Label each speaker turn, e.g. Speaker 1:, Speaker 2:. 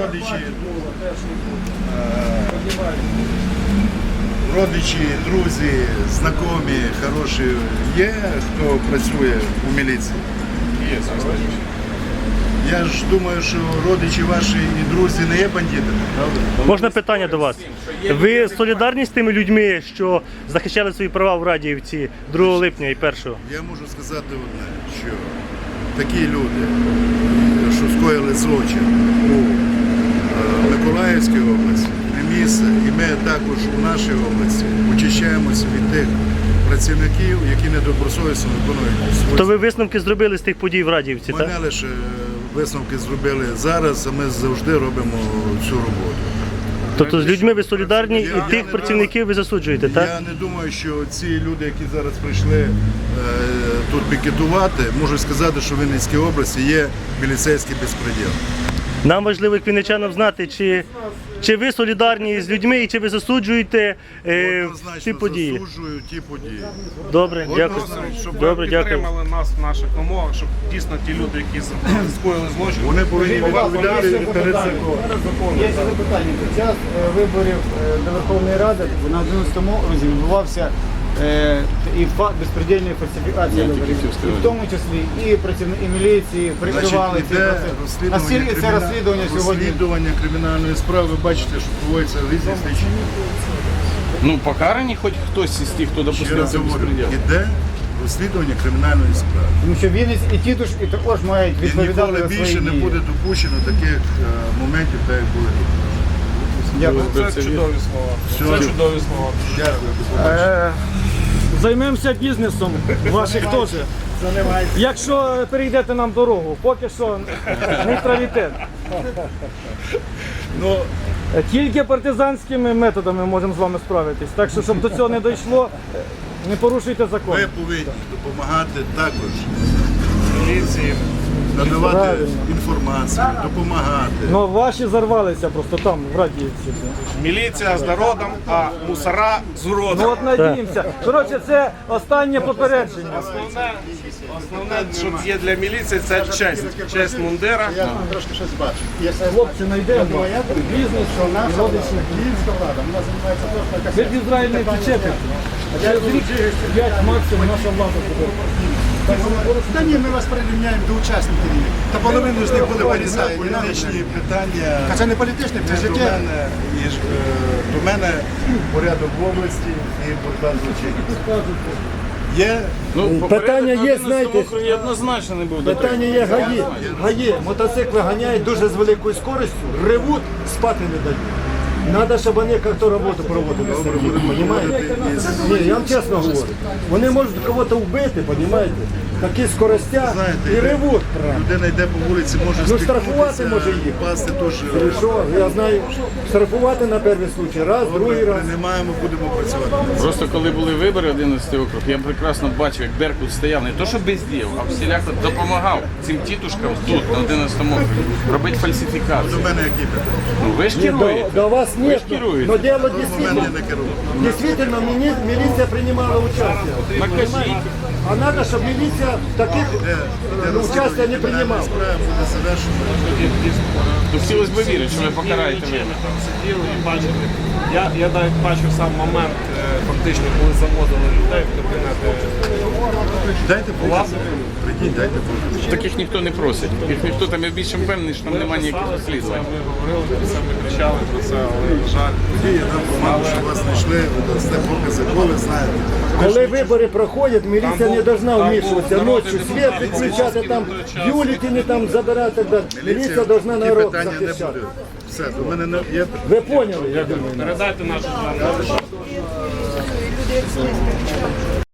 Speaker 1: родичі, друзі, знайомі, хороші є, хто працює у міліції?
Speaker 2: Є, звісно.
Speaker 1: Я ж думаю, що родичі ваші і друзі не є бандитами, правда?
Speaker 3: Можна питання до вас? Ви солідарні з тими людьми, що захищали свої права в Радіївці 2 липня і 1-го?
Speaker 1: Я можу сказати одне, що такі люди, що скоїли злочин у Миколаївській області, не місце, і ми також у нашій області очищаємося від тих працівників, які недобросовісно виконують свої.
Speaker 3: То ви висновки зробили з тих подій в Радіївці,
Speaker 1: Ми
Speaker 3: так?
Speaker 1: не лише висновки зробили зараз, а ми завжди робимо цю роботу.
Speaker 3: Тобто з людьми ви солідарні і тих працівників ви засуджуєте, так?
Speaker 1: Я не думаю, що ці люди, які зараз прийшли тут пікетувати, можуть сказати, що в Вінницькій області є міліцейський безпреділ.
Speaker 3: Нам важливо, як вінничанам, знати, чи ви солідарні з людьми і чи ви засуджуєте ці події.
Speaker 1: Засуджую ті події.
Speaker 3: Добре, дякую.
Speaker 2: Щоб ви
Speaker 3: Добре, дякую.
Speaker 2: підтримали нас в наших вимогах, щоб дійсно ті люди, які скоїли злочин,
Speaker 1: Вони повинні відповідати перед законом.
Speaker 4: Є ще запитання. Під час виборів до Верховної Ради на 11-му окрузі відбувався і безпредельної фальсифікації виборів. І в тому числі і працівники міліції прикривали ці
Speaker 1: Іде
Speaker 4: процеси. Наскільки це розслідування сьогодні?
Speaker 1: розслідування кримінальної справи, ви бачите, що проводяться різні слідчі.
Speaker 5: Ну, покарані хоч хтось із тих, хто
Speaker 1: Ще
Speaker 5: допустив
Speaker 1: раз
Speaker 5: це
Speaker 1: говорю,
Speaker 5: безпреділ.
Speaker 1: іде розслідування кримінальної справи.
Speaker 4: Тому що Вінниць і Тітуш і також мають
Speaker 1: І
Speaker 4: відповідати
Speaker 1: ніколи
Speaker 4: за
Speaker 1: більше
Speaker 4: свої
Speaker 1: не
Speaker 4: дії.
Speaker 1: буде допущено таких моментів, так як були тут.
Speaker 4: Дякую.
Speaker 2: це чудові слова. Це чудові слова.
Speaker 1: Дякую.
Speaker 6: Займемося бізнесом, ваших теж. Якщо перейдете нам дорогу, поки що нейтралітет.
Speaker 1: Ну,
Speaker 6: Тільки партизанськими методами можемо з вами справитись. Так що, щоб до цього не дійшло, не порушуйте закон.
Speaker 1: ви повинні допомагати також,
Speaker 2: Міліції.
Speaker 1: надавати
Speaker 6: Правильно.
Speaker 1: інформацію, допомагати.
Speaker 6: Ну ваші зарвалися просто там, в Радіївці.
Speaker 2: Міліція з народом, а мусора з уродом.
Speaker 6: Ну от надіємося. Коротше, це останнє попередження.
Speaker 2: Основне, що є для міліції, це честь. Честь мундира.
Speaker 4: Я трошки щось бачу.
Speaker 6: Хлопці, знайдемо. Бізнес,
Speaker 4: Наша львівська влада, вона займається точно
Speaker 6: ви в Ізраїль не втечете. А через рік 5 максимум наша влада буде.
Speaker 4: Та ні, ми вас прирівняємо до учасників. Та половину з них були поліцаї.
Speaker 1: Політичні питання
Speaker 4: А це не політичне, це
Speaker 1: до
Speaker 4: життя.
Speaker 1: мене, до мене порядок в області і боротьба з злочинністю. Є
Speaker 5: Ну,
Speaker 7: Питання є, знаєте,
Speaker 5: округі однозначно не був
Speaker 7: питання є гаї. Гаї, мотоцикли ганяють дуже з великою скоростю, ревуть, спати не дають. Треба, щоб вони як-то роботу проводили. Понимаєте? Ні, я вам чесно говорю. Вони можуть когось вбити, розумієте? Такі скоростя і ревуть.
Speaker 1: людина йде по вулиці, може
Speaker 7: Ну, штрафувати може їх.
Speaker 1: пасти теж.
Speaker 7: І що? Я знаю, штрафувати на перший случай, раз, другий раз.
Speaker 1: Приймаємо, будемо працювати.
Speaker 5: Просто коли були вибори 11 округ, я прекрасно бачив, як Беркут стояв не то, що бездіяв, а всіляко допомагав цим тітушкам тут, на 11 округі, робити фальсифікацію.
Speaker 1: До мене які питання?
Speaker 5: Ну ви ж керуєте.
Speaker 7: До вас
Speaker 5: Ви
Speaker 7: нет,
Speaker 5: ж керуєте.
Speaker 7: но дело
Speaker 1: До мене
Speaker 7: действительно,
Speaker 1: не керує.
Speaker 7: действительно милиция принимала участие.
Speaker 5: Накажіть.
Speaker 7: А надо, чтобы милиция таких участия не принимала.
Speaker 1: Справа буде завершена.
Speaker 5: То хотілося б вірити, що ви покараєте
Speaker 2: Ми
Speaker 5: мене.
Speaker 2: там сиділи і бачили. Я навіть бачив сам момент, фактично, коли заводили людей в кабінети.
Speaker 1: Дайте покази. Прийдіть, дайте покази.
Speaker 5: Таких ніхто не просить. Їх ніхто там, я більше впевнений, що там немає ніяких розслідувань.
Speaker 2: Ми говорили про це, ми кричали про це, але, на жаль,
Speaker 1: Тоді я дам команду, що вас знайшли, ви дасте покази, бо ви знаєте.
Speaker 7: Коли вибори проходять, міліція не должна
Speaker 2: там
Speaker 7: вмішуватися
Speaker 2: був
Speaker 7: ночі,
Speaker 2: народний
Speaker 7: світ
Speaker 2: депутат
Speaker 7: відключати, там
Speaker 2: Ліцинський
Speaker 7: бюлетені там забирати. Міліція должна
Speaker 1: Ті
Speaker 7: народ
Speaker 1: питання не
Speaker 7: захищати.
Speaker 1: буде. Все, до мене не є.
Speaker 7: Ви поняли, я думаю.
Speaker 2: передайте нашу звернення.
Speaker 8: Люди як